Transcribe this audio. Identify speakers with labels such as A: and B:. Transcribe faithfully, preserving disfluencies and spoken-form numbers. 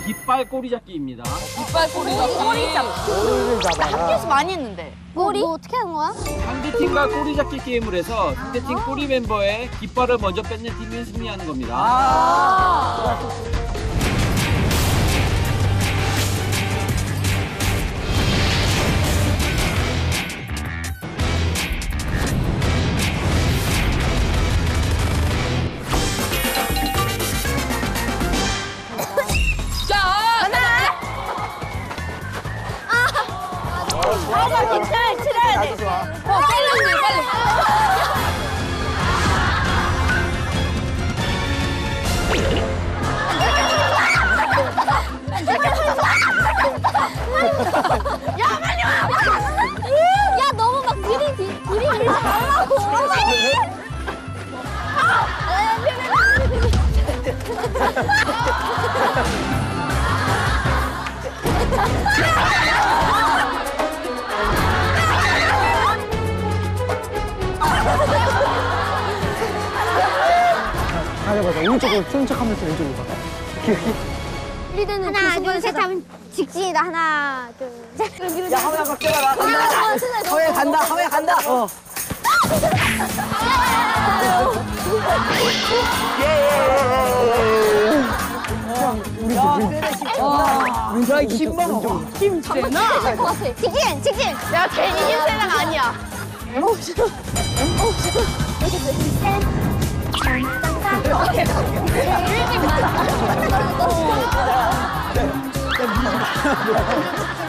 A: 깃발 꼬리잡기입니다.
B: 깃발 꼬리잡기. 꼬리잡기.
C: 꼬리를 잡아라.
B: 학교에서 많이 했는데.
D: 꼬리? 뭐 어떻게 하는 거야?
A: 상대팀과 꼬리잡기 게임을 해서 상대팀 꼬리 멤버의 깃발을 먼저 뺏는 팀이 승리하는 겁니다.
B: 아.
D: 맞아, 깃발 칠해야 돼.
C: 좋아.
D: 어, 빨리, 빨리. 야, 빨리 와! 야, 너무 막 들이, 들이, 들이밀지 말라고. 빨리! 아!
C: 가져가자. 오른쪽으로 쏜 척하면서 왼쪽으로 가.
D: 리드는 하나, 둘, 셋 하면 직진이다. 하나, 둘, 셋.
B: 야, 하우야 박대가라. 간다. 하우야 간다. 하우야 간다. 어.
C: 우리
B: 야,
C: 왼-
B: 세네 신나.
C: 왼쪽,
B: 힘
C: 왼쪽,
B: 먹어.
C: 왼쪽.
B: 힘 세나?
D: 할것 같아. 직진, 직진.
B: 내가 제일 힘세나가 아니야.
D: 일찍 맞아.